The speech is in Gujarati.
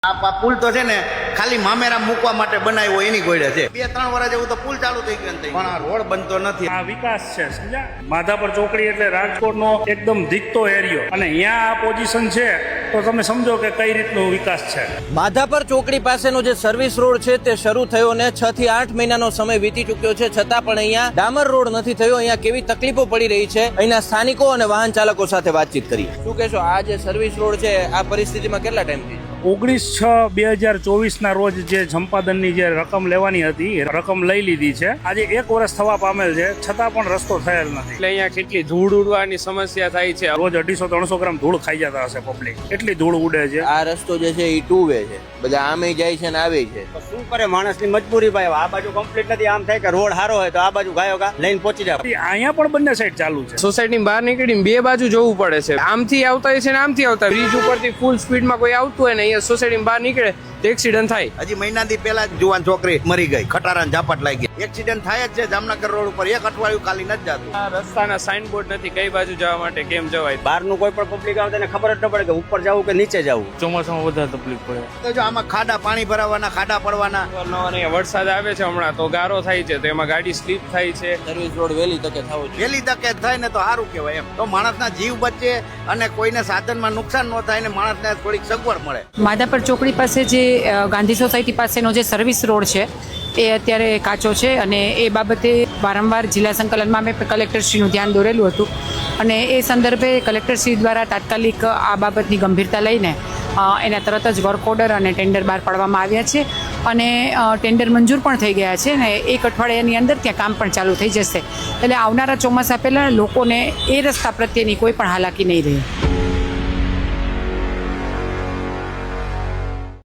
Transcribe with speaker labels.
Speaker 1: આ પુલ તો છે ને ખાલી મામેરા મૂકવા માટે બનાવ્યો એની ગોળે છે. 2-3 વર્ષ જેવું તો પુલ ચાલુ થઈ ગયું પણ આ રોડ બનતો નથી.
Speaker 2: આ વિકાસ છે, સમજ્યા? માધાપર ચોકડી એટલે રાજકોટનો એકદમ દીકતો એરિયો, અને અહીંયા આ પોઝિશન છે તો તમે સમજો કે કઈ રીતનો વિકાસ છે.
Speaker 3: માધાપર ચોકડી પાસેનો જે સર્વિસ રોડ છે તે શરૂ થયો ને 6 થી 8 મહિનાનો સમય વીતી ચૂક્યો છે, છતાં પણ અહીંયા ડામર રોડ નથી થયો. અહીંયા કેવી તકલીફો પડી રહી છે, અહીંના સ્થાનિકો અને વાહન ચાલકો સાથે વાતચીત કરી. શું કહેશો, આ જે સર્વિસ રોડ છે આ પરિસ્થિતિમાં કેટલા ટાઈમથી?
Speaker 2: 19/6/2024 ના રોજ જે સંપાદનની જે રકમ લેવાની હતી એ રકમ લઈ લીધી છે. આજે 1 વર્ષ થવા પામેલ છે, છતાં પણ રસ્તો થયેલ નથી.
Speaker 4: એટલે અહીંયા કેટલી ધૂળ ઉડવાની સમસ્યા થાય છે.
Speaker 2: રોજ 250-300 ગ્રામ ધૂળ ખાઈ જતા હશે પબ્લિક, એટલી ધૂળ ઉડે છે.
Speaker 3: આ રસ્તો જે છે એ 2 વે છે, બધા આમે જાય છે ને આવે છે.
Speaker 5: શું કરે માણસની મજબૂરી ભાઈ, આ બાજુ કમ્પ્લીટ નથી. આમ થાય કે રોડ સારો હોય તો આ બાજુ ગાયો ગા લઈને પહોંચી જાય.
Speaker 2: અહીંયા પણ બંને સાઈડ ચાલુ છે.
Speaker 4: સોસાયટીની બહાર નીકળીને 2 બાજુ જવું પડે છે. આમથી આવતા હોય છે ને આમથી આવતા. બ્રિજ ઉપરથી ફૂલ સ્પીડમાં કોઈ આવતું હોય ને અહીંયા સોસાયટીની બહાર નીકળે તો એક્સિડન્ટ થાય.
Speaker 1: હજી મહિનાથી પહેલા જ જુવાન છોકરી મરી ગઈ, ખટારા ઝાપટ લાગી. એક્સિડન્ટ થાય જ છે જામનગર રોડ ઉપર. 1 અઠવાડિયું ખાલી નથી જતું.
Speaker 4: આ રસ્તાના સાઇનબોર્ડ નથી કઈ બાજુ જવા માટે, કેમ જવાય.
Speaker 5: બહારનું કોઈ પણ પબ્લિક આવે તેને ખબર જ ન પડે કે ઉપર જવું કે નીચે જવું.
Speaker 4: ચોમાસામાં વધારે તકલીફ પડે.
Speaker 1: તો જો આમાં ખાડા પાણી ભરાવાના, ખાડા પડવાના.
Speaker 4: અહીંયા વરસાદ આવે છે હમણાં તો ગારો થાય છે, તો એમાં ગાડી સ્લીપ થાય છે.
Speaker 3: સર્વિસ રોડ વહેલી તકે થવો જોઈએ.
Speaker 1: વહેલી તકે થાય ને તો સારું કહેવાય. એમ તો માણસના જીવ બચે અને કોઈને સાધનમાં નુકસાન ન થાય ને માણસને થોડીક સગવડ મળે.
Speaker 6: માધાપર ચોકડી પાસે જે ગાંધી સોસાયટી પાસેનો જે સર્વિસ રોડ છે એ અત્યારે કાચો છે, અને એ બાબતે વારંવાર જિલ્લા સંકલનમાં મેં કલેક્ટરશ્રીનું ધ્યાન દોરેલું હતું, અને એ સંદર્ભે કલેક્ટરશ્રી દ્વારા તાત્કાલિક આ બાબતની ગંભીરતા લઈને એના તરત જ વર્ક ઓર્ડર અને ટેન્ડર બહાર પાડવામાં આવ્યા છે, અને ટેન્ડર મંજૂર પણ થઈ ગયા છે, અને 1 અઠવાડિયાની અંદર ત્યાં કામ પણ ચાલુ થઈ જશે. એટલે આવનારા ચોમાસા પહેલાં લોકોને એ રસ્તા પ્રત્યેની કોઈ પણ હાલાકી નહીં રહે.